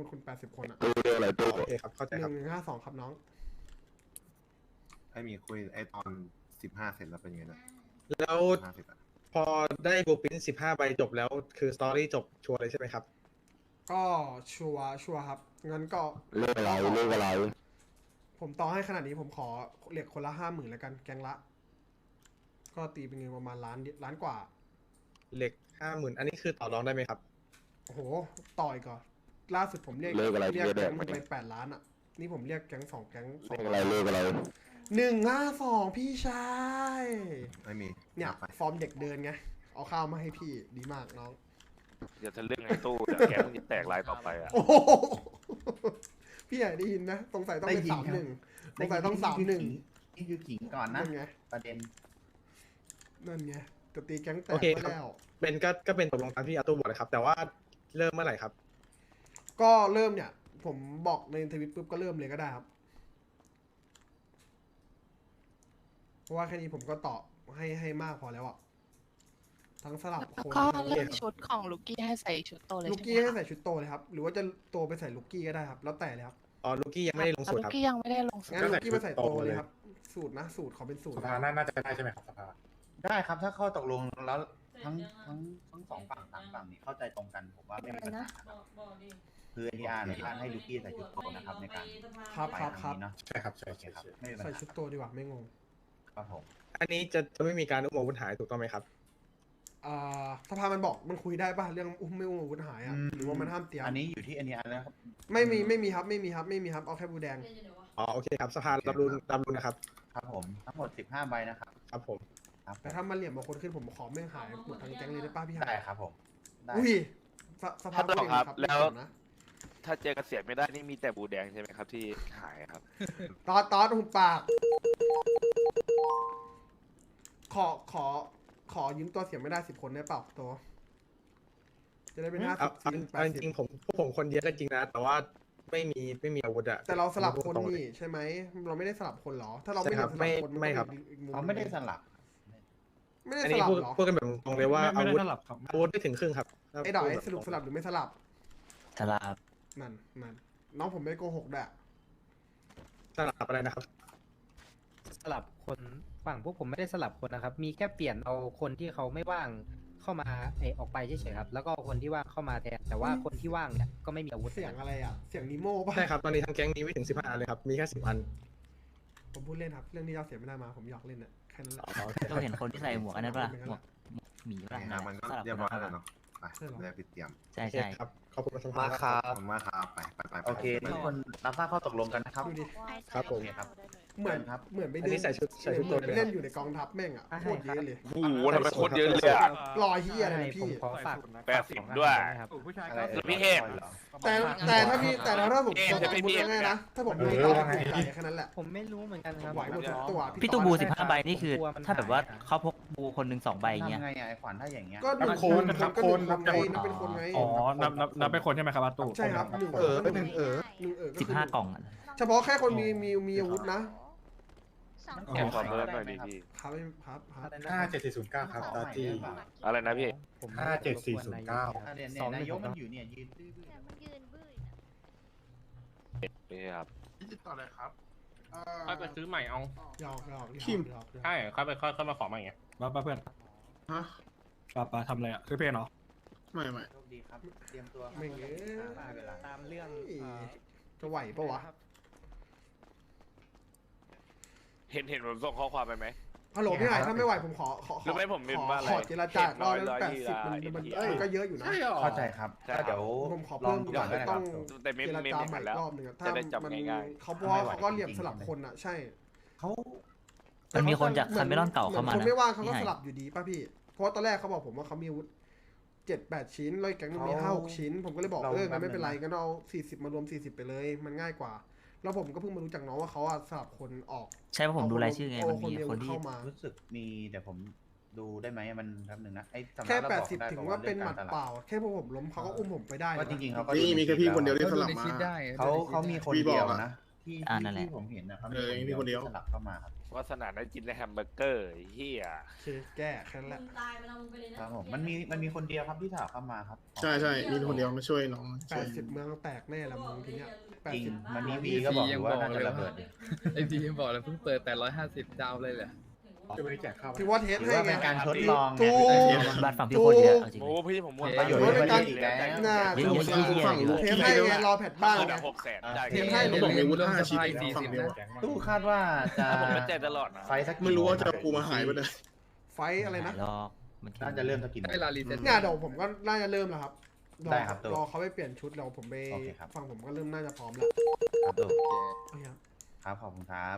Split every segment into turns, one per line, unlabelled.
คุณ80 คนอ่ะ
ตู้เดียวอะไรตู้
โอเคครับเข้าใจครับ
1152ครับน้อง
ให้มีคุยไอตอน15เสร็จแล้วเป็นไงนะ
แล้ว
50อ่ะ
พอได้บูปิน15 ใบจบแล้วคือสตอรี่จบชัวร์เลยใช่ไหมครับ
ก็ชัวร์ครับงั้นก็
เลขอะไรเลขอะไร
ผมต่อให้ขนาดนี้ผมขอเหล็กคนละ50,000แล้วกันแกงละ ก็ตีเป็นเงินประมาณล้านกว่า
เหล็ก 50,000 อันนี้คือต่อรองได้ไหมครับ
โอ้โหต่อยก่อนล่าสุดผมเรียก
เลขอะไร
เรียก
เลข
แก๊ง
อะไร
มันไป8 ล้านอ่ะนี่ผมเรียกแก๊ง2 แก๊ง
เลขอะไรเลขอะไร
152พี่ชาย
ไม่มี
เนี่ย
นับไป
ฟอร์มเด็กเดินไงเอาข้าวมาให้พี่ดีมากน้อง
เดี๋ยวจะเรื่องไอ้ตู้เดี๋ยวแกมึงจะแตกลายต่อไปอ่ะ
โอ้โหพี่ใหญ่ได้ยินนะสงสัยต้องเป็น
ได้ยินครับ
31สงสัยต้อง31
นี่คือขิงก่อนนะ
นั่นไง
ประเด็น
นั่นไงจะตีแก๊งแต
โอก เค
ไป
ครับ
แล้ว
เป็นก็เป็นตกลงตามที่อาตู้บอกเลยครับ แต่ว่าเริ่มเมื่อไหร่ครับ
ก็เริ่มเนี่ย ผมบอกในทวิตปุ๊บก็เริ่มเลยก็ได้ครับ เพราะว่าแค่นี้ผมก็ตอบให้มากพอแล้วอะทั้งสลับ
แล้ว
คน
ก็
ทั้ง
เรื่องชุดของลูกกี้ให้ใส่ชุดโตเลย
ลูก
ใช่
กี้
ไหม
ให้
คะ
ใส่ชุดโตเลยครับ หรือว่าจะโตไปใส่ลูกกี้ก็ได้ครับ แล้วแต่เลยครับ
อ๋อลูกี้ยังไม่ได้ลงสูตร
ลู
ครับ
กกี้ยังไม่ได้ลงสูต
งั้
ร
นลูกกี้มาใส่โตเลยครับ สูตรนะสูตรขอเป็นสูตร
สภาน่าจะได้ใช่ไหมครับสภา
ได้ครับถ้าข้อตกลงแล้วทั้งสองฝั่งสามฝั่งนี่เข้าใจตรงกันผมว่าไม่มีปัญหาครับคือNDRเนี่ยท่านให้ลูกี้ใส่ชุดโตนะครับในการ
ครับ
ไป
ครับ
ค
ครั
รั้
บ
งนี้เนาะ
ใช่ครับใช่
โอเค
ใช่
ครับ
ใช่
ไม่มีปัญ
ใส่
หา
ชุดโตดีกว่าไม่งง
ครับผม
อันนี้จะไม่มีการอุ้มอาวุธหายถูกต้องไหมครับ
สภามันบอกมันคุยได้ป่ะเรื่องอุ้มไม่อุ้มอาวุธหายอะหรือว่ามันห้ามเตรียม
อันนี้อยู่ที่ NDR แล้วครับ
ไม่มีครับเอาแค่บูแดง
อ๋อโอเคครับสภารับรู้นะครับ
ครับผมทั้งหมด15ใบนะครับ
ครับผม
ครับ
แต่ถ้ามันเหลี่ยมบางคนขึ้นผมขอแม่งหายหมดทั้งแก๊งเลยได้ป้าพี่หา
ได้
ย
ครับผมได้
อุ้ยสภาพ
ถ้าต่อครับ
พูดเอง
แล้ว
ไม่เกี่ยนะ
ถ้าเจอเกษียณไม่ได้นี่มีแต่บูแดงใช่ไหมครับที่หายครับ
ตอดหุบปาก ขอยืมตัวเสียงไม่ได้10 คนได้เปล่าตัว จะได้เป็น50
เอาจริงๆผมคนเยอะก็จริงนะ แต่ว่าไม่มีอาวุธอะ
แต่เราสลับคนนี่ใช่ไหมเราไม่ได้สลับคนเหรอ ถ้าเราไม่
ใช่ครับ
สลับคน
ไม่ครับ
อีกมุ
เขาไม่ได้สลับ
ไม่ได้
อัน
ส
นี้
ลับ
พูด
เหรอ
พูดกันแบบตรงเลยว่าอาวุธ
สลับครับ
อาวุธไม่ถึงครึ่งครับ
ไอ้ดอกไอ้สรุปสลับหรือไม่สลับ
สลับ
นั่นน้องผมไม่โกหกแหละ
สลับอะไรนะครับ
สลับคนฝั่งพวกผมไม่ได้สลับคนนะครับ มีแค่เปลี่ยนเอาคนที่เขาไม่ว่างเข้ามาออกไปเฉยๆครับ แล้วก็คนที่ว่างเข้ามาแทน แต่ว่าคนที่ว่างเนี่ยก็ไม่มีอาวุธ
เสียงอะไรอ่ะ เสียงนิโม่ป่ะ
ใช่ครับ ตอนนี้ทั้งแก๊งมีไม่ถึง15 อันเลยครับ มีแค่10 อัน
ผมพูดเล่นครับ เรื่องที่เราเสียไม่ได้มาผมหยอกเล่นน่ะแค่นั้นแหละ
เราเห็นคนที่ใส่หมวกอันนั้นป่ะหมวกหมีป่ะ
งานมันก็เรียบร้อยแล้วเนาะไปได้ไปเตรียม
ใช่
โอเค
ใช่
ครับ ขอบคุณสภา
มาค
ครับ
รับ
ขอบคุณมากครับไป
โอเคทุกคนรับทราบข้อตกลงกันนะครับ
ดูดิ
ครับผม
โอเคครับ
เหมือน
ครับ
เหมือนไป
อันนี้ใส่ชุด
เหมือน
ตัว
ไป
เลย
เล่นอยู่ในกองทัพแม่งอ่ะโคตรเยอะเลย
โอ้โหทำไมโคตรเยอะเลยอ่ะ
รอเฮียอะไรนะ
ผม
พี่
ขอฝาก
80ด้วย
ครับ
อะไร
แล้วพี่เทพ
แต่ถ้าพี่แต่ถ้าผม
เอ๊ะ
สมมติง่ายๆนะถ้าผมมีตอนถูกใจแค่นั้นแหละ
ผมไม่รู้เหมือนกันครับ
ไหวหมดทุกตัว
พี่ตู้บู
ตอน
15 ใบนี่คือ ถ้าแบบว่าเขาพกบูคนหนึ่ง2 ใบอย่างเงี้ย
ทำไงอ่ะไอ้ขวัญถ้าอย่างเงี้ย
ก็หนึ่งคนก็หนึ่งคนไงนับเป็นคนไง
อ๋อ นับเป็นคนใช่ไหมครับอาตู้
ใช่ครับหนึ่ง
หนึ่ง
ก็คือ
15 กล่องอะ
เฉพาะแค่คนมีอาวุธนะ
แกขอเบอร์หน่อยดิพี่
ครับ
57409 ครับตาจี
อะไรนะพี่
เนี่ยนายกมันอยู่เนี่ยยืนตื้อ
นี่ครับ
ต่อเลยครับ
ค่อยไปซื้อใหม่เอา
หยอก
ใช่ค่อยมาขอใหม่ไงป้าเพื่อน
ฮะ
ป้าทำอะไรอ่ะซื้อเพลงเหรอ
ไม่
โชคดีครับ เตรียมตัว
ไม่เงี้ย
ได้เวลา
ตามเรื่อง
จะไหวปะวะ
เห็นผมส่งข้อความไปไหม
ฮัลโหลพี่ไหนถ้าไม่ไหวผมขอ
หรือไม่ผมเป็นว่าอะไร
ขอเจรจาก็
ร้อย
80มัน
เอ้ย
ก็เยอะอยู่นะ
เข้าใจครับก็เดี๋ยว
ผมขอ
ลอ
เพิ่
ง
ม
ดู
ก่
ก่
อ
อน นได้
ต้
ค
อ
รั
ง
บ
แต่ไม่
เจร
ไม่
จา
ไม่
ใหม่
แล้ว
รอบหนึงอะถ้า
จะได้จำ
มัน
ง่าย
เขาเพราะว่าเขาก็เหลี่ยมสลับคนอะใช่
เขา
มันมีคนจากคาเมรอนเก่าเข้ามา
คน
นะ
ไม่ว่างเขาก็
พี่
ส
ไห่
ลับอยู่ดีป่ะพี่ เพราะว่าตอนแรกเขาบอกผมว่าเขามีอาวุธ7-8 ชิ้นแล้วอีกแก๊งนึงมี5-6 ชิ้น ผมก็เลยบอกงั้นไม่เป็นไรก็เอา40มารวม40ไปเลย มันง่ายกว่า แล้วผมก็เพิ่งมารู้จากน้องว่าเขาอะสลับคนออก
ใช่เพราะผมดูรายชื่อไง มันมี
เอา
คนที่
เข้ามา
รู้สึกมีเดี๋ยวผมดูได้ไหมมันแป๊บนึงนะไอ้สำนัก
แค่
เราบอกได้
80ถึงว่าเป็นหมัดเปล่า แค่พอผมล้มเขาก็อุ้มผมไปได้
ว่าจริงๆเขาก็
มีแค่พี่คนเดียวที่สลับมา
เขามีคนเดียวนะที่
นั่นแหละ
ที่ผมเห็นนะครับ
มีคนเดียว
สลับเข้ามาครับ
วาสนาได้กินในแฮมเบอร์เกอร์ไอ้เฮีย
โอเคแก้แค่นั้นแหละ
ครับผมมันมีคนเดียวครับที่สลับเข้ามาครับ
ใช่ใช่มีคนเดียวมาช่วยน้อง
80 เมืองแตกแน่ละมึงทีเนี้ย
จริง
80
มันนี่วีก็บอกอยู่ว่าน่าจะระเบิดอยู่
ไอพียังบอกเลยเพิ่งเปิดแต่150ดาวเลยแหละ
จะไม่ได้แจกข้าว
ถือว่าเทส
ถือ
ให้
ว่า
ไง
เป็นการทดลองไง
ถูก
บ้านฝั่งพี่โคตรเยอะเอาจริง
โอ้พี่ผมหมด
ประโยชน์ในประเทศอีกแล้ว
น่า
เยอะๆเยอะๆ
ฝั่งลูก
เทสให้ไงรอแพทบ้าง
คน
ไง
ละ600,000ได้
เทปให้
เขาบอกมีอาวุธ5ชิ้นฝั่งเดียว
ตู้คาดว่าจะ
ถ้าผมไม่แจกตลอดนะ
ไฟสัก
ไม่รู้ว่าจะปูมาหายไปไหน
ไฟอะไรนะ
รอมันแค่
น่าจะเริ่มสักกี่โมง
ได้ลารีเซ็ต
เนี่ยเดี๋ยวผมก็น่าจะเริ่มแล้วครับ
ได้ครับตัว
รอเขาไปเปลี่ยนชุดเราผมไป
โอเคครับ
ฟังผมก็เริ่มน่าจะพร้อมแล้ว
ครับตู้
โอเคครับ
ครับขอบคุณครับ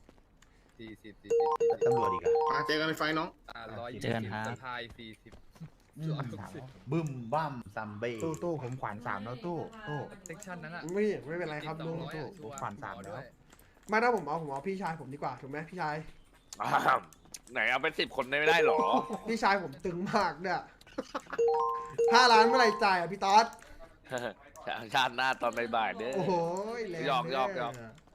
40
แล้วตำรวจอีกอะ
มาเจอกันในไฟน้อง
120
เจอกันครับ
สะพาย40
ถามว่าบึ้มบั้มซัมเบ้
ตู้ผมขวาน3แล้วตู้ตู้
เซ็กชันนั้นอ่ะ
ไม่เป็นไรครับลุง
200
ถูก
ชัวร์
ผ่าน3แล้ว
ด้วย
ไม่ถ้าผมเอาพี่ชายผมดีกว่าถูกไหมพี่ชาย
อ้าวไหนเอาเป็น10 คนได้ไม่ได้หรอ
พี่ชายผมตึงมากเนี่ย5 ล้านเมื่อไหร่จ่ายอ่ะพี่ต๊อด
ชาติหน้าตอนบ่ายๆเด้อ
โอ้โหแรง
หยอก
เด้
หยอกหยอก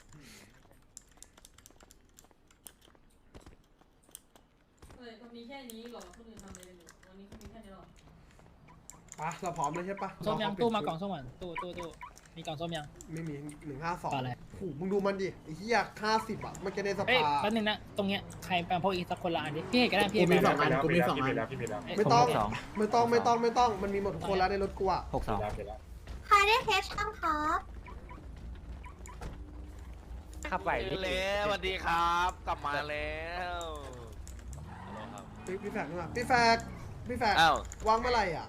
มีแค่นี้หรอคนอื่นทำอะไรอยู่วันนี้เขามีแค่นี้หรอ
ปะเราพร้อมเลยใช่ปะ
ส้มยัง
ร
ตู้
เข
มา
เป
กล่
ลี่
อย งส้มก่อนตู้มีกล่องส้มยัง
ไม่มี152
ปลาอะไร
โอ้โหมึงดูมันดิไอ้เหี้ย50อ่ะมันจะในส
เอ้ย
ภา
แป๊บนึงนะตรงเนี้ยใครแปลงพวกอีกสักคนละอันดิพี่เอกก็ได้พี่เอก
กูมี
ก็
2
ได้
อันกูมี2 อัน
ไม่ต้อง
ผมมี2
ไม่ต้องมันมีหมดทุกคนแล้วในรถกูอ่ะ
62
ใครได้เคสช่างครับ
ขับไหว
เแล้วสวัสดีครับ กลับมาแล้วฮัลโหลครับ
พี่แฟกมาพี่แฟก
อ้าว
วางเมื่อไหร่อ่ะ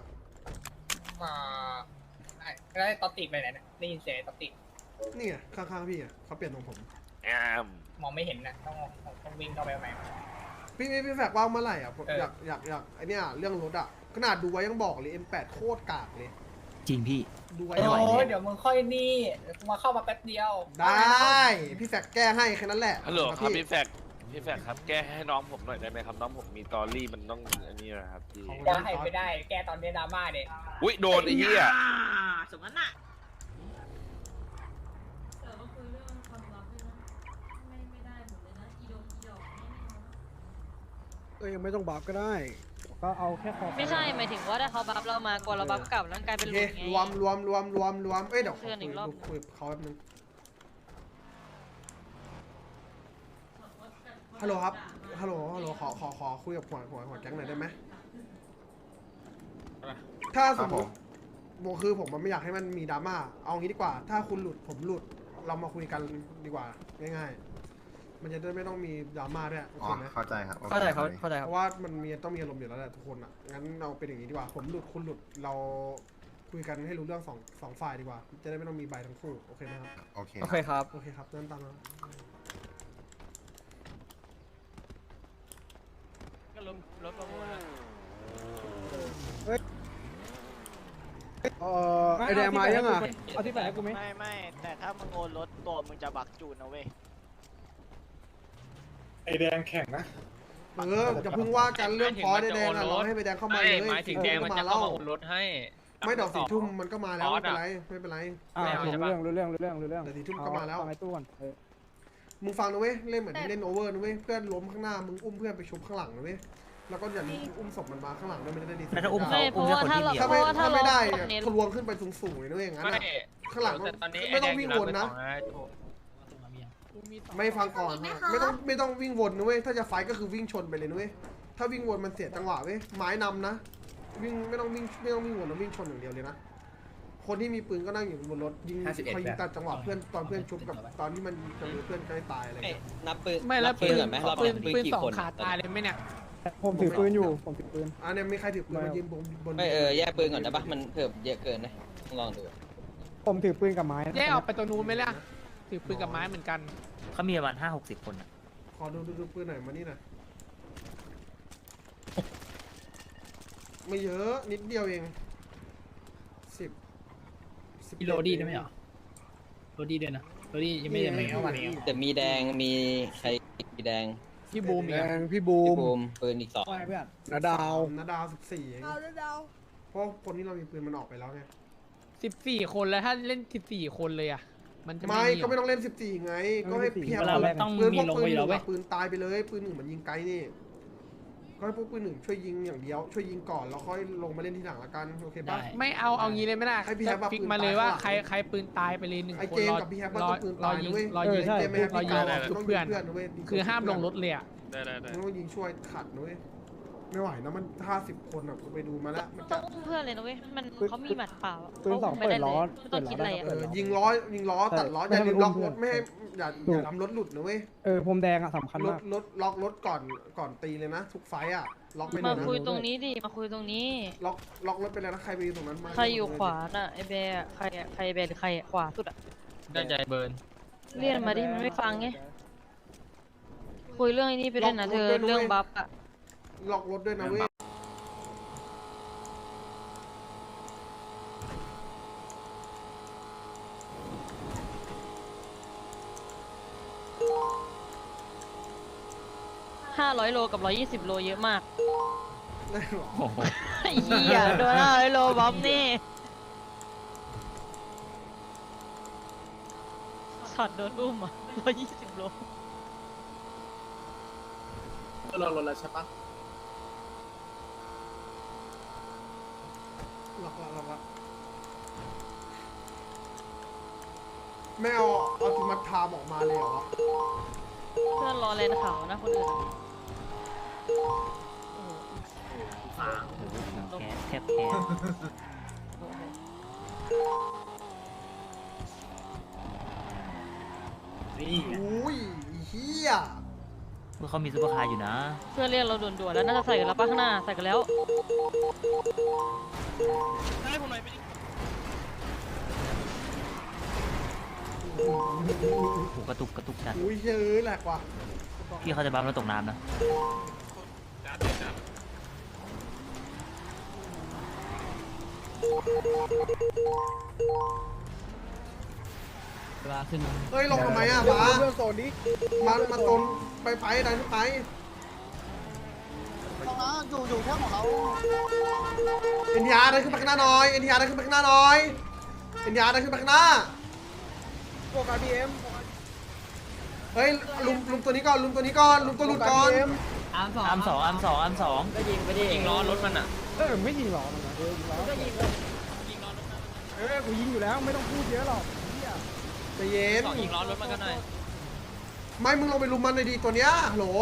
ได้ตอติดไปไหนเนี่ยได้ยินเสียงตอติด
นี่ไงข้างๆพี่อ่ะเขาเปลี่ยนตรงผม
แอม
มองไม่เห็นนะต้องวิ่งเข้าไปใหม่
พี่แฟกวางเมื่อไหร่อ่ะผม
เออ
อ
อ
ยากไอเนี้ยเรื่องรถอ่ะขนาดดูไว้ยังบอกเลย M8 โคตรกากเลย
จริงพี่
ดูไว้
ไม่ไหว
โอ้
เลย
เดี๋ยวมึงค่อยนี่มาเข้ามาแป๊บเดียว
ได้พี่แฟกแก้ให้แค่นั้นแหละ
ฮัลโหลครับพี่แฟกครับ แก้ให้น้องผมหน่อยได้ไหมครับ น้องผมมีตอรี่มันต้องอันนี้นะครับพี่
ได้ไม่ได้แกตอนนี้ดราม่าเด็
อุ้ยโดนไอ้เหี้ย
สมนั้นน่ะ
ยังไม่ต้องบัฟก็ได้ ก็เอาแค่คอ
ไม่ใช่หมายถึงว่าถ้าเขาบัฟเรามากว่าเราบัฟกลับแล้วกลายเป็น
โอ
ห
เค
ลุดไง
รวมเอ้ยเดี๋ยวขอ
เพื่อนอีกรอบ
คุยกับเขาแป๊บนึงฮัลโหลครับฮัลโหลขอคุยกับหัวแก๊งหน่อยได้ไหมถ้าสมมติคือผมมันไม่อยากให้มันมีดราม่าเอางี้ดีกว่า ถ้าคุณหลุดผมหลุดเรามาคุยกันดีกว่าง่ายๆมันจะได้ไม่ต้องมีดราม่าด้วยโอ
อ๋
เค
อ
ไหม
เข้าใจครับ
เข้าใจเขาเข้าใจค
เพ
รับ
ราะว่ามันต้องมีอารมณ์อยู่แล้วแหละทุกคนอ่ะงั้นเราเป็นอย่างนี้ดีกว่าผมหลุดคุณหลุดเราคุยกันให้รู้เรื่องสองฝ่ายดีกว่า จะได้ไม่ต้องมีใบทั้งคู่โอเคไหมครับ
โอเค
โอเคครับ
โอเคครับนั่นตามนั้น
ก็รถประมูล
ไอแดงมายังอ่ะ
เอาที่ไหนกูไหม
ไม่แต่ถ้ามึงโอนรถตัวมึงจะบักจูนนะเว้ย
ไอแดงแข่งนะ
จะเพิ่งว่ากันเรื่องพอได้แดงอ่ะเราให้ไปแดงเข้ามาเลยหมายถึงแดงมันจะเข้ามาโอนรถให้ไม่ดอก4 ทุ่มมันก็มาแล้วไม่เป็นไร
รู้เรื่อง
แต่4 ทุ่มก็มาแล้ว
ฟังไอ้ตู้ก่อน
มึงฟังนะเว้ยเล่นเหมือนที่เล่นโอเวอร์นะเว้ยเพื่อนล้มข้างหน้ามึงอุ้มเพื่อนไปชุบข้างหลังนะเว้ยแล้วก็อย่าลืมอุ้มศพมันมาข้างหลังด้วยมันจะได้ดี
แล้วถ้าอุ้มเขา
เพราะว่าถ้าเรา
ถ้าไม่ได้เนี่ยทะลวงขึ้นไปสูงๆเลยนะเว้ยอย่างนั้นอะข้างหลังไม่ต้องวิ่งวนนะไม่ฟังก่อนไม่ต้องวิ่งวนนะเว้ยถ้าจะไฟก็คือวิ่งชนไปเลยนะเว้ยถ้าวิ่งวนมันเสียจังหวะเว้ยไม้นำนะวิ่งไม่ต้องวิ่งวนนะวิ่งชนอย่างเดียวเลยนะคนที่มีปืนก็นั่งอยู่บนรถยิงคอยยิงตัดจังหวะเพื่อนตอนเพื่อนชุบกับตอนที่มันจะมีเพื่อนใกล้ตายอะไรเงี้ย
นับปืน
ไม่แล้วปืน
ก่อนไหมเราเป็นปืนกี่คน
ขาตายเลยไหมเนี่ย
ผมถือปืนอยู่ผมถือปืน
อันนี้มีใครถือปืนมายืนบน
ไม่แยกปืนก่อนได้ปะมันเพิ่มเยอะเกินนะลองดู
ผมถือปืนกับไม้
แยกออกไปตัวนู้นไหมล่ะถือปืนกับไม้เหมือนกัน
เขามีประมาณ5-60 คนอะ
ขอดูปืนหน่อยมานี่หน่อยไม่เยอะนิดเดียวเอง10
โรดี้ได้ไหมเหรอโรดี้ด้วยนะโรดี้ยังไม่ได้เข้ามาเนี่ย
แต่มีแดงมีใครมีแดง
พี่บูมอีก
แด
อ่ะ
งพี่บู
พี่
ม
บูมปืนอีก2
ว่าไงเพื่อน
นาดาว
นาดาว14เองเพราะคนที่เรามีปืนมันออกไปแล้วไง
14 คนแล้วถ้าเล่น14 คนเลยอ่ะมันจะ
ไม่ก็ไม่ต้องเล่น14ไงก็ให้เพียบ
ต้อง
ปืนพวกปืนหนึ่งอะปืนตายไปเลยปืนหนึ่งมันยิงไกลนี่ก็ให้พวกปืนหนึ่งช่วยยิงอย่างเดียวช่วยยิงก่อนแล้วค่อยลงมาเล่นทีหลังละกันโอเคปะ
ไม่เอางี้เลยไม่ได้
ให้พี่แฮป
ฟิก
ปืน
มาเลยว่า
ตายข้างหลัง
ใครปืนตายไปเลย1
ไอ้
คน
เจมส์กับพี่แฮปว่าต้องปืนตายนะเว้ย
รอยิง
เจมส์ไม่ให้พี่
รอยิง
ตาย
ชุบเพื่อน
นะเว้ย
คือห้ามลงรถเลยอ่ะ
ได้
ต้องยิงช่วยขัดนะเว้ยไม่ไหวนะมัน50 คนอ่ะไปดูมาแล้วมัน
ต้
จะ
องอุ้มเพื่อนเลยนะเว้ยมันเขามีหมัดเปล่า
ปืนสองเปิดล้อ
ไม่ต้องคิดอะไรอ่ะ
ยิงล้อตัดล้ออย่าลืมล็อกรถไม่ให้อย่าทำรถหลุดนะเว้ย
พรมแดงอ่ะสำคัญ
ร
มา
ถ
ก
ล็อกรถก่อนตีเลยนะทุกไฟอ่ะล็อกไปเลย
มา
นะ
คุยตรงนี้ดิมาคุยตรงนี้
ล็อกรถไปเลยนะใครไปอยู่ตรงนั้นมา
ใครอยู่ขวาน่ะไอเบย์อะใครอะใครเบย์หรือใครอะขวาสุดอะ
ได้ใจเบิร์น
เรียนมาดิมันไม่ฟังไงคุยเรื่องไอ้นี้ไปด้วยนะเธอเรื่องบัฟอะ
ล็อกรถด้วยนะเว้ย
500 โลกับ 120 โลเยอะมาก
ได้หรอ
ไอ้เหี้ยโดน500 โลบัฟนี่ช็อตโดนอุ้มอ่ะ120 โล
เราลดแล้วใช่ปะ
ล็อกไม่เอาติมัตทามออกมาเลยเหรอ
เพื่อนรอเลนเขานะคนอื่นอะ
แกแทบแพ้
นี่
อุ้ยเฮีย
พวกเขามีซุปเปอร์คาร์อยู่นะ
เพื่อนเรียกเราด่วนๆแล้วน่าจะใส่กันแล้วป่ะข้างหน้าใส่กันแล้ว
โอ้โหกระตุกจัด
อุ้ยเฮ้ยแหลกว่ะ
พี่เขาจะบัมแล้วตกน้ำนะ
เฮ้ยลงทำไมอ่ะบ้า
เรื่องโซนนี้
มาตนไปดันขึ้นไป
อยู่แค่ของเรา
เอ็นทีอาร์ดันขึ้นไปข้างหน้าหน่อยเอ็นทีอาร์ดันขึ้นไปข้างหน้าหน่อยเอ็นทีอาร์ดันขึ้นไปข้างหน้า
พวก RPM
เฮ้ยลุมตัวนี้ก่อนลุมตัวหลุดก่อน
อัมสอง
ยิงล้อรถมันอ่ะ
ไม่ยิงหรอมันนะยิงล้อกูยิงอยู่แล้วไม่ต้องพูดเยอะหรอก
ใจเย็น
ยิงล้อรถมันกันหน่อย
ไม่มึงลงไปลุมมันเลยดีตัวเนี้ยฮัลโหล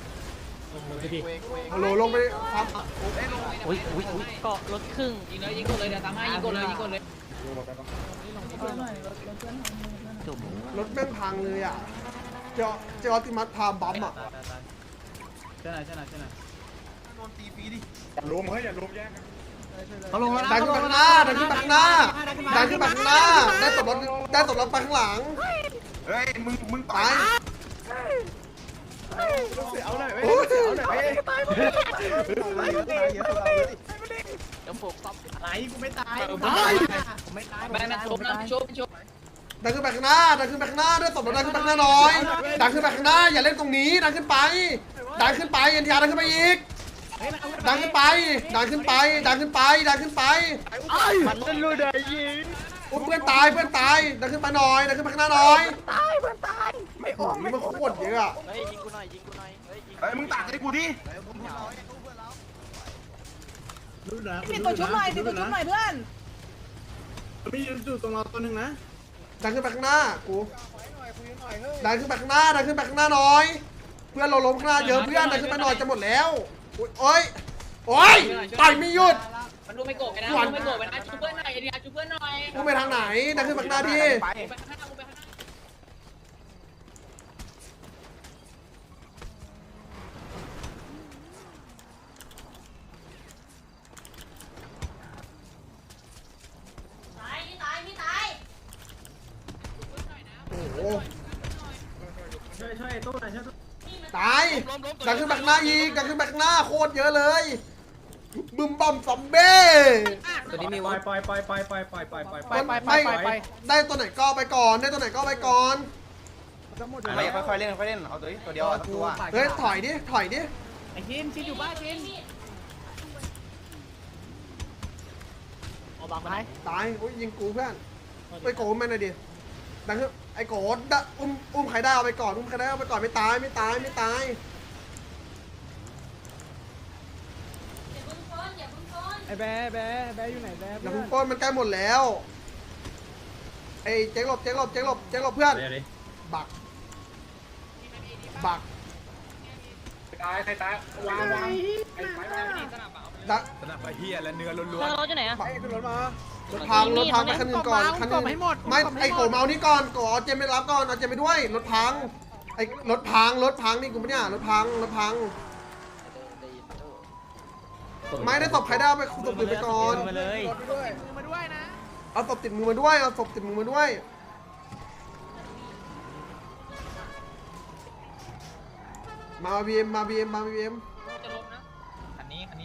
ลงไปครับ
อุ้ย
เกาะรถครึ่ง
ยิงกดเลยเดี๋ยวตามให้ยิงกดเลย
จุ่ม
รถแม่งพังเลยอ่ะเจอติมัตพามบัมอ่ะ
ใช่ไหน
อย่าลุมเฮ้ยอย่าลุมแย่ง
เขาลงแล้ว
ดันขึ้นไปข้างหน้าได้ตบรถไปข้างหลัง
เฮ้ยมึง
ตาย
เอาหน่อย
โอ้ย
เอาหน่อยตาย
เดี๋ยวโฟกซับ
ไหนกูไม่ตาย
แม่นะชบ
ดันขึ้นไปข้างหน้าด้วยตบรถดันขึ้นไปข้างหน้าหน่อยดันขึ้นไปข้างหน้าอย่าเล่นตรงนี้ดันขึ้นไปเอ็นทีอาร์ดันขึ้นไปอีกดันขึ้นไป
มันเล่นรู้ได้ยิง
เพื่อนตายดันขึ้นไปหน่อยดันขึ้นไปข้างหน้าหน่อยไม่ออกมันโคตรเยอะอะ
เฮ้ยยิงกูหน่อย
เฮ้ยมึงตักให้กูดิ
มีตัวชุบหน่อยเพื่อนมีอยู่ตรงเราตัวหนึ่งนะ
ดันขึ้นไปข้างหน้ากูดันขึ้นไปข้างหน้าหน่อยเพื่อนเราล้มข้างหน้าเยอะเพื่อนดันขึ้นไปหน่อยจะหมดแล้วโอ้ยต่อยไม่หยุด
มันดูไม่โกรธไปนะชูเพื่อนหน่อยชูเพื่อนหน่อย
กูไปทางไหนดันขึ้นไปข้างหน้าดิ
ไปข้างหน้ากูไปข้างหน้า
โอ้โห
ช่วยตู้หน่อยช่วยตู้
ตายดันขึ้นไปข้างหน้าอีกดันขึ้นไปข้างหน้าโคตรเยอะเลยบึมบอมซอมเบ้
ตัวนี้มีวะปล่อย
ได้ตัวไหนก็ไปก่อน
ไม่ค่อยๆเล่นเอาตัวเดียวตัว
เฮ้ยถอยดิ
ไอ้ชินอยู่บ้านชิน
ตายโอ้ยยิงกูเพื่อนไปโกงมันหน่อยดิดังขึ้นไอ้โกดดะอุ้มใครได้เอาไปก่อนอุ้มใครได้เอาไปก่อนไม่ตายไม่ตายไม่ตาย
อย่าเพิ่งฟ้อนอย่าเพิ่งฟ้อน
ไอ้แบ๊อยู่ไหนแบ๊
อย่าเพิ่งปล้นมันใกล้หมดแล้วไอ้เจ๊งหลบเจ๊งหลบเจ๊งหลบเจ๊งหลบเพื่อนบักบัก
ตายใครตายวาง
ดัก
สนับไปเฮียและเนื้อล้
เธ
วน
อรถอยู่ไหนอะ
ขึ้นรถมาร
ถพังไปคันหนึงก่อนคันหนึงไม่ไอ้โกเมานี่ก่อนโกเอาเจมไปรับก่อนเอาเจมไปด้วยรถพังไอ้รถพังนี่กูไม่เนี่ยรถพังไม่ได้ตบใครได้เอาไปตบปืนไปก่อน
มาเลย
เอาศพติดมือมาด้วยเอาศพติดมือมาด้วยมาบีเอ็มมาบีเอ็ม
จะลบนะคันนี้พี่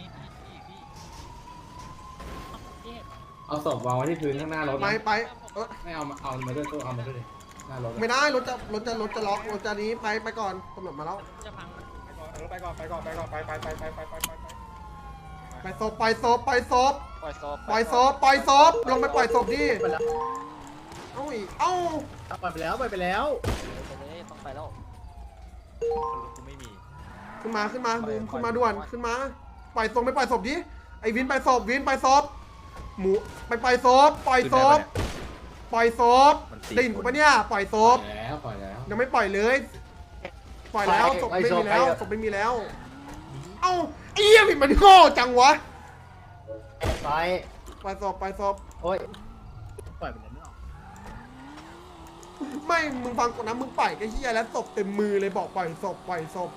เอาศพวางไว้ที่พื้นข้างหน้ารถ
ไปเออ
ไม่เอามาด้วยตู้เอามาด้วยดิหน้ารถ
ไม่ได้รถจะล็อกรถจะนี้ไปก่อนตำรวจมาแล้ว
จะพัง
ไปก่อนไป
ศพปล่อยศพลงไปปล่อยศพดิเอ้าอีกเอ้า
ปล่อยไปแล้ว
ต้องไปแล้ว
ขึ้นมาบูมขึ้นมาด่วนขึ้นมาปล่อยศพไปปล่อยศพดิไอ้วินปล่อยศพหมูไปปล่อยศพได้ยินกูปะเนี่ยปล่อยศพ
ปล่อยแล้ว
ยังไม่ปล่อยเลยปล่อยแล้วศพไม่มีแล้วศพไม่มีแล้วเอ้าไอ้เหี้ยผิดมันโง่จังวะปล่อยศพ
โอ้ยปล่อยไปแล้ว
ไม่มึงฟังก่อนนะมึงปล่อยไอ้เหี้ยแล้วศพเต็มมือเลยบอกปล่อยศพ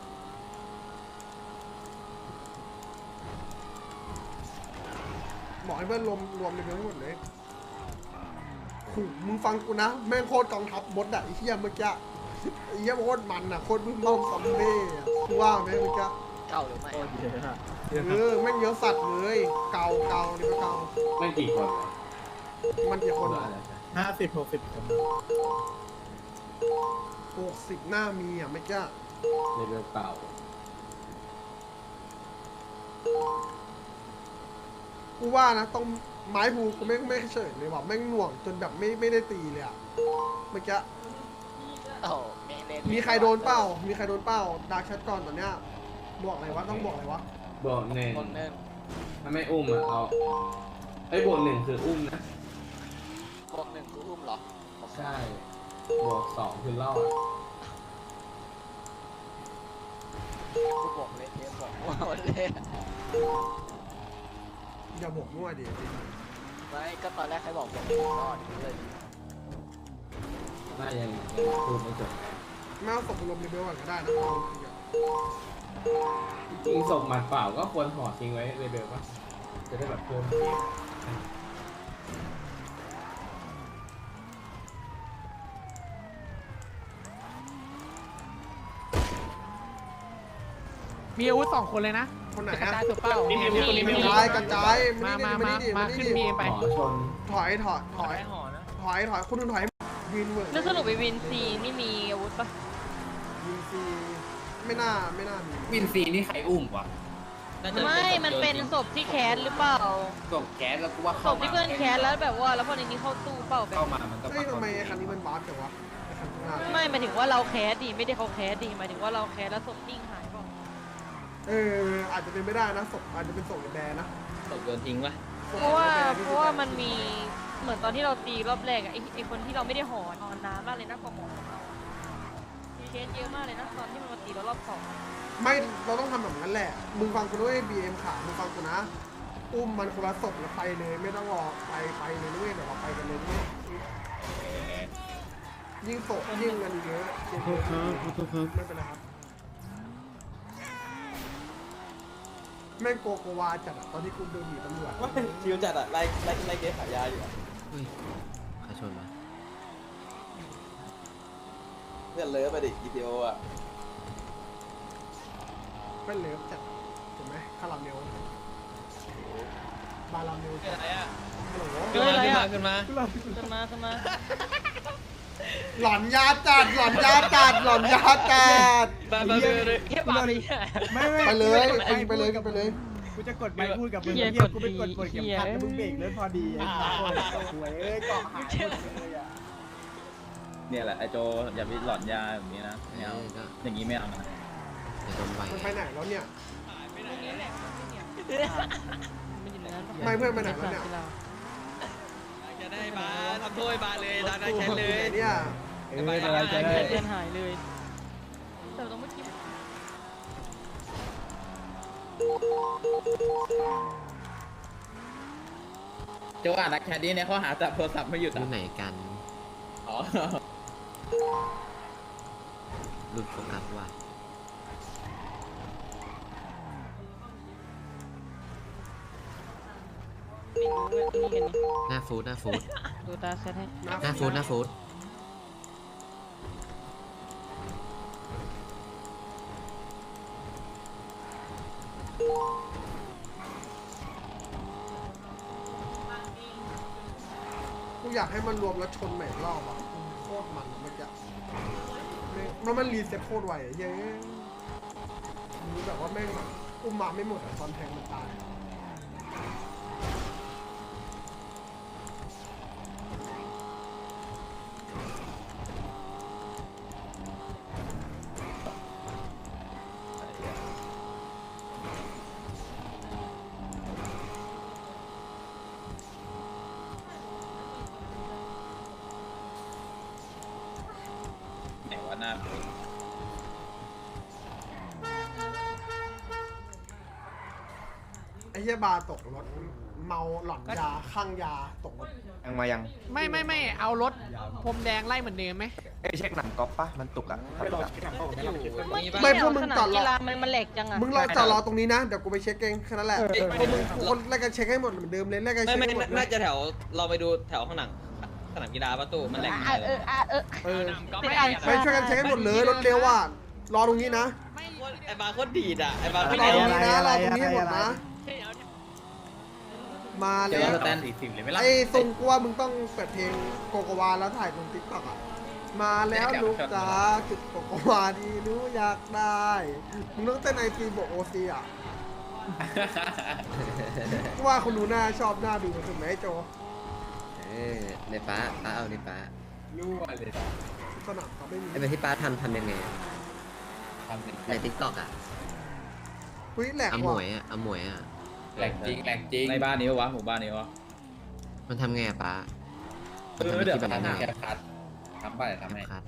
บอกให้เพื่อนรวมในเพื่อนทั้งหมดเลยขู่มึงฟังกูนะแม่งโคตรกองทัพมดอะไอ้เหี้ยเมื่อกี้ไอ้เหี้ยโคตรมันอะโคตรมึงล่มซอมเบ้อะกูว่าไหมเมื่อกี้
เก่าหรือไม่
แม่งเยอะสัตว์เลยเก่านี่ก็เก่า
ไม่กี่คน
มันกี่คน
50 60 คน
60หน้ามีอะเมื่อกี้
ในเรือเก่า
กูว่านะต้องไม้ภูกูไม่เฉยเลยว่ะแม่งหน่วงจนแบบไม่ได้ตีเลยอะเมื่อกี้มีใครโดนเปล่าดาร์คแชทก่อนตอนเนี้ยบอกอะไรวะต้องบอกอะไรวะ
บวกหนึ่งถ้าไม่อุ้มอ่ะเอาไอ้บวกหนึ่งคืออุ้มนะ
บวกหนึ่งคืออุ้มเหรอ
ใช่บวกสองคือรอด
กูบอกเลยเทปบอกว่าเลย
อย่าบอกมั่วดิ
ไม่ก็ตอนแรกใครบอกรอดเลย
น่ายังพูดไม่จบ
แม่เอาศพไปรวมในเบลก่อนก็ได้นะ
จริงศพหมัดเปล่าก็ควรห่อทิ้งไว้เลเบลป่ะจะได้แบบเพิ่ม
มีอาวุธ2 คนเลยนะ
คนไหน
กระ
อะ
จายตัวเปล่า
กระจายมานี่
ขึ้นมีไป
ห่อชน
ถอยคุณนุ่นถอยวินเวิร์ด
แล้วสรุปไปวินซีนี่มีอาวุธปะ
วินซีไม่น่ามี
วินซีนี่ใครอุ้มวะ
ไม่มันเป็นศพที่แคสหรือเปล่า
ส่งแก๊สแล้วกูว่า
ศพที่เพื่อนแคสแล้วแบบว่าแล้วพอในนี้เข้าตู้เปล่าแบบ
เข้ามามันก็
เฮ้ยทำไมคันนี้มันบาสจังวะคันข้างหน้า
ไม่หมายถึงว่าเราแคสดีไม่ได้เขาแคสดีหมายถึงว่าเราแคสแล้วศพนิ่งหายเปล่า
อาจจะเป็นไม่ได้นะศพอาจจะเป็นศพในแบร์นะ
ตกโดนทิ้งวะ
เพราะว่ามันมีเหมือนตอนที่เราตีรอบแรกอะไอคนที่เราไม่ได้ห่อนอนน้ำมากเลยนะกว่าหมอของเรามีเคสเยอะมากเลยนะตอนที่มันมาตีเรารอบ2
ไม่เราต้องทำแบบนั้นแหละมึงฟังกูด้วย BM ขามึงฟังกูนะอุ้มมันคนละศพแล้วไปเลยไม่ต้องรอไปเลยด้วยเดี๋ยวเราไปกันเลยด้วยยิ่งศพยิ่งเงินเยอะไม่เป็นไรครับแม่งโกวาจัดอะตอนที่กูเดินหนีตำรวจ
ชิวจัดอ่ะไล่เกสขายยาอยู่อ่ะ
ใครชนวะ
เพื่อนเลิฟไปดิ GTO อ่ะ
เป็นเลิฟจัดถูกไหมคาราเมลบาราเมลจัดฮัลโหล
เจออะไรอะ
ขึ้นมา
ขึ้นมา
หลอนยาจัดไปเลย
แค่บาร์บี้
ไปเลยไปเลย
กูจะกดไปพูดกับมึง
เหี้ย
กูไปกดเข็มขัดแล้วมึงเบรกเลยพอดีไอ้สวยเอ้ยเกาะหายหมดเลยอ่ะ
เนี่ยแหละไอโจอย่าไปหลอนยาแบบนี้นะไม่เอาอย่างนี้ไม่เอานะ
จะโดนไหว
มันไปไหนแล้วเนี่ย
มันอยู่ในนั้น
ไม่เพื่อนไปไหนแล้วเนี่ย
จะได้มาทำโทษมาเลยตามนั้
ตู้
นแค่
มัน
เล
อยู่ไหน
ย
เนี่ย
เพื่อนหายเลยแต่ต้องไม่คิด
โจอ่านนักแคดดี้เนี่ยเขาหาจับโทรศัพท์ไม่หยุด
อยู่ไหนกัน
อ๋อ
หลุดโฟกัสว่ะ
ไม่รู้เลยนี่กันนี่
หน้าฟูดหน้าฟูด
ดูตาเซตให้
หน้าฟูดหน้าฟูด
กูอยากให้มันรวมแล้วชนใหม่อีกรอบอ่ะโคตรมันอะเมื่อกี้แล้วมันรีเซ็ตโคตรไวอะเย้รู้แบบว่าแม่งแบบอุ้มมาไม่หมดอะตอนแทงมันตาย
ไหนว่าหน้า
ไอ้เหี้ยบาร์ตกรถเมาหลอนยาข้างยาตกรถ
ยังมายัง
ไม่เอารถพรมแดงไล่เหมือนเดิมไหม
เช็คหนังก๊อปปะมันตุกอะ
ไม่พวกมึงจอดร
กี
อ
ฬามันแหลกจังอะ
มึงรอจอดรอตรงนี้นะ เดี๋ยวกูไปเช็คเองแค่นั้นแหละพวกมึงทุกคนแลกกันเช็คให้หมดเหมือนเดิมเลยแลกกันเช็คให้หมดเลย
น่าจะแถวเราไปดูแถวข้างหลังสนามกีฬาประตูมันแหลก
ไปช่วยกันเช็คให้หมดเลยรถเร็วอ่ะรอตรงนี้นะ
ไอ้บาร์โคตรดีดอ่ะไอ้บาร์
ร
ไม่
อ
ได้
ตรงนี้นะรอตรงนี้หมดนะ มาแล้ว
แตน40เลยไหมล่ะ
ไอ้ทรงกูว่ามึงต้องเปิดเพลงโกโกวาแล้วถ่ายลงติ๊กต็อกอ่ะมาแล้วลูกจ๋าจุดโกโกวาดีรู้อยากได้มึงต้องเต้นไอซีบวกโอซีอ่ะกูว่าคนดูหน้าชอบหน้าดูถูกไหมโจ
ในป้าเอาในป้า
รั่วเลย
สนามเขาไม่มี
ไอ้แบบที่ป้าทำยังไงในทิกตอกอ่ะ
เฮ้ยแหลก
เอาหม
ว่ะ
วยอ่ะเอาหมวยอ่ะ
แหลกจริงแหลกจริงในบ้านนี้วะหมู่บ้านนี้วะ
มันทำไงอ่ะป้า
เดี๋ยว
มัน
ทำ
ทำ
แคปคัดทำไปทำให้
คัด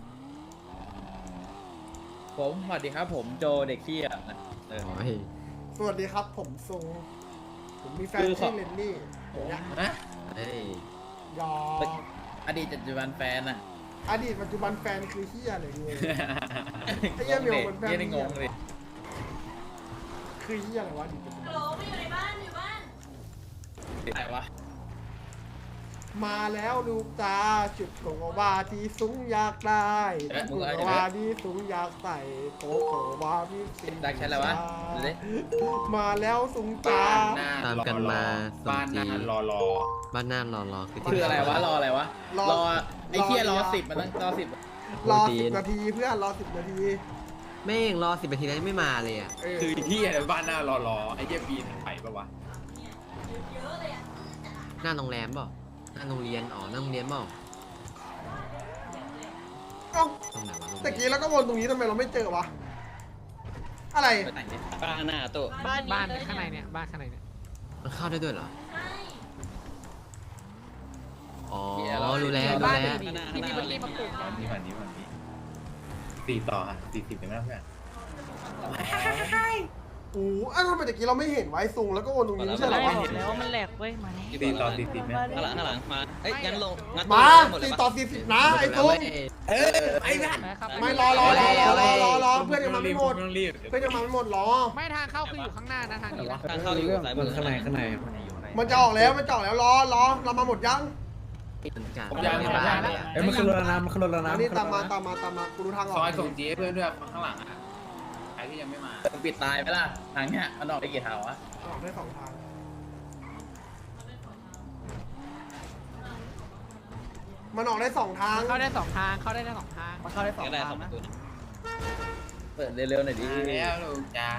ผมสวัสดีครับผมโจเด็กขี้อ่ะนะ
โอ้ย
สวัสดีครับผมทรงผมมีแฟน
คือ
ชื่อเลนนี่อย่างเงี้ย
นะ
เฮ้ย
ยอ
อดีตปัจจุบันแฟนอ่ะ
อดีตปัจจุบันแฟนคือเฮียอะไรเงี้ย ไอ้เหี้ยเหมียวเหมือนแฟน
ได้งงเลย
คือเฮียอะไรวะอดีตปัจจุบัน
โหลไม่อยู่ในบ้านอยู่บ้าน
ไหนวะ
มาแล้วลูกตาจุดโกโกวาที่สูงอยากได้โกโกวาที่สูงอยากใส่โกโกวาที่สูง
ได้แค่อะไรวะดูดิ
มาแล้วสูงจ้า
ตามกันมาสม
บ้านห
จี
น้ารอ
บ้านหน้ารอคือ
คืออะไรวะรออะไรวะ
รอ
รอไอ้เคียรอ10มันต้องรอ10
รอ10 นาทีเพื่อนรอ10 นาที
แม่งรอ10 นาทีแล้วยังไม่มาเลยอ่ะ
คือที่บ้านหน้ารอไอ้เหี้ยปีนไปปะวะ
หน้าโรงแรมเปล่าหน้าโรงเรียนหน้าโรงเรียนเปล่า
เอ้า
ตรงไหนวะโรง
ตะ
เรี
กี้
ยน
แล้วก็วนตรงนี้ทำไมเราไม่เจอวะอะไร
บ้านหน้าตู้
บ้านข้างในเนี่ยบ้านข้างในเนี่ย
มันเข้าได้ด้วยเหรอ
ใช่
อ๋อรู้แล้ว
บ้าน
แล้ว
ที่มีบัลลี่มาปลูก
วันนี้4ต่อ40ได้ไหมเพื่อน
โอ้ทำไมตะกี้เราไม่เห็นไว้ซุงแล้วก็วนตรงนี้ไม่ใช่เหรอ
แล้ว
วะ
แล้วมันแหลกเว้ยมาแล้ว
4ต่อ40ไหม
ข้างหลังมาเอ้ยงั้นลงงั้น
มา
หมดเลย
4
ปะ
ต่อ 40นะไอ้ซุง
ไอ้นั่น
ไม่รอเพื่อนยังมาไม่หมดเพื่อนยังมาไม่หมดรอ
ไม่ทางเข้าคืออยู่ข้างหน้านะทางนี้นะ
ทางเข้าอยู่สายมือข้างใน
มันจะออกแล้วรอเรามาหมดยัง
ผมยัง
ในบ้านเลยอ่ะ
มันขึ้นรถแล้วนะมันขึ้นรถแล้วนะ
อันนี้ตามมากูดูทางออก
ซอยส่งจีให้เพื่อนด้วยข้างหลังอ่ะใครที่ยังไม่มาปิดตายไปล่ะทางเนี้ยมันออกได้กี่ทางวะ
ออกได้2 ทางมันออกได้2 ทาง
เข้าได้2 ทางเข้าได้2 ทาง
มันเข้าได้สอง
ก็ได้
ทาง
2 ป
นะ
ระตูนะ
เปิดเร็วๆหน่อยดิแล้วลูกจ้า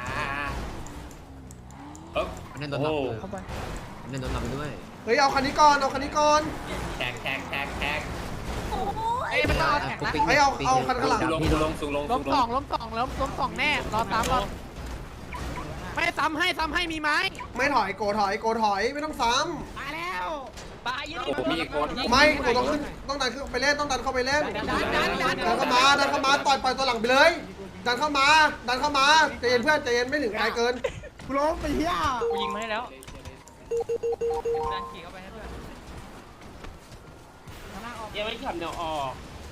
มันได้โดนหลับเลยมันได้โดนหลับด้วย
เฮ้ยเอาคันนี้ก่อน
แท็ก
เอ้ยมัน
เอาแท็กนะ
ไอ้เอาคันข้างหลัง
ลงลงสูงลง
ล้มสองแน่รอตามรอไม่ซ้ำให้มีไม้
ไม่ถอยโกถอยไม่ต้องซ้
มาแล้วปายิง
โอ้โหมีอีกคน
ำไม่โกต้องขึ้นต้องดันขึ้นไปเล่นต้องดันเข้าไปเล่นดันเข้ามาปล่อยตัวหลังไปเลย ดันเข้ามาใจเย็นเพื่อนใจเย็นไม่ถึงไกลเกิน
กูล้มไปเหี้ย
กูยิงมาให้แล้วดันขี่เข้าไปให้เพื่อน
ยังไม่ขับเดี๋ยวออก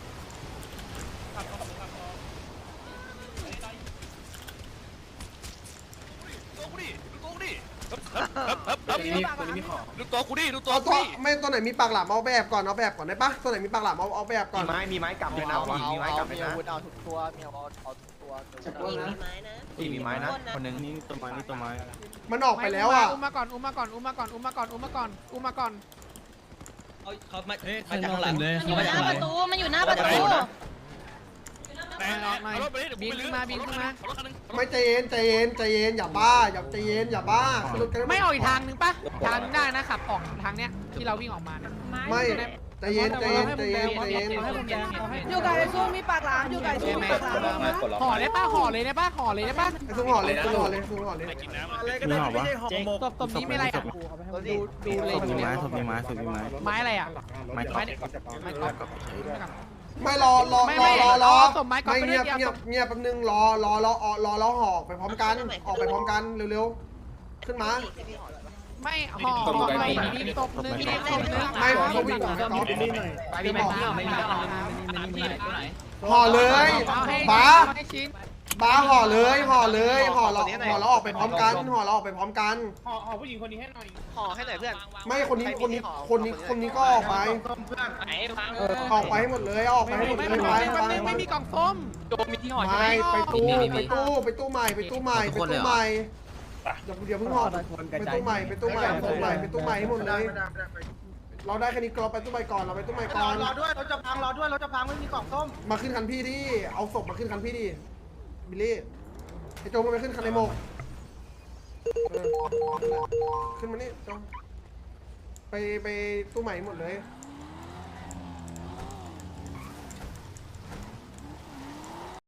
ดูตัวกูดิดูตัว
เอา
กู
ตัว
ดิ
ไม่ตัวไหนมีปากหลามเอาแบบก่อนได้ปะตัวไหนมีปากหลามเอาแบบก่อน
มีไม้กลับเลยนะผู้หญิงมีไม้กลับเลยนะ
เอาทุกตัวเอาทุกตัว
มีไม้นะ
ผู้หญิงมีไม้นะคนหนึ่ง
นี่ตัวไม้นี่ตัวไม้
มันออกไปแล้วอ่ะ
อุ้มมาก่อน
เขามา
มันอยู่หน้าประตูมันอยู่หน้าประตู
แรงออกหน่อยบินขึ้นมา
ไม่ใจเย็นอย่าบ้าอย่าใจเย็นอย่าบ้า
ไม่ออกอีกทางนึงปะทางนึงได้นะขับออกทางเนี้ยที่เราวิ่งออกมาเนี่ย
ไม่ใจเย็น
อยู่กับไอ้ซูมีปากหลามอยู่กับไอ้ซูมีปากหลาม
ห่อเลยได้ปะ
ไอ้ซุ้งห่อเลย
มีหอบวะ
ตบนี้ไม่ไรอ่ะดูเลย
มีไม้ศพมีไม้ศพมีไม้
ไม้อะไรอ่ะ
ไม้
ไม้ก๊อฟ
ไม่รอไม่เงียบแป๊บนึงรอห่อไปพร้อมกันออกไปพร้อมกันเร็วๆขึ้นมา
ไม่ห่อไม่มีตบนึง
ไม่เขาวิ่ง
ไม่มี
ห่อเลยบ้า
ให้ชิ้น
ห่อเลยเราออกไปพร้อมกันห่อเราออกไปพร้อมกัน
ห่อผู้หญิงคนนี้ให้หน่อย
ห่อให้หน่อยเพื่อน
ไม่คนนี้ก็ออกไป
ไหนพัง
ออกไปให้หมดเลยออกไปให้หมดเลยไป
ไม่มีกล่องส้ม
โดมีที่ห่อใช่ไหม
ไม่ไปตู้ใหม่เดี๋ยวเพิ่งห่อไปตู้ใหม่ให้หมดเลยเราได้แค่นี้เราไปตู้ใหม่ก่อน
รอด้วยเราจะพังไม่มีกล่องส้ม
มาขึ้นคันพี่ดิเอาศพมาขึ้นคันพี่ดิบิลลี่ไอ้โจมันไปขึ้นคันไอ้โมกขึ้นมานี่โจไปตู้ใหม่หมดเลย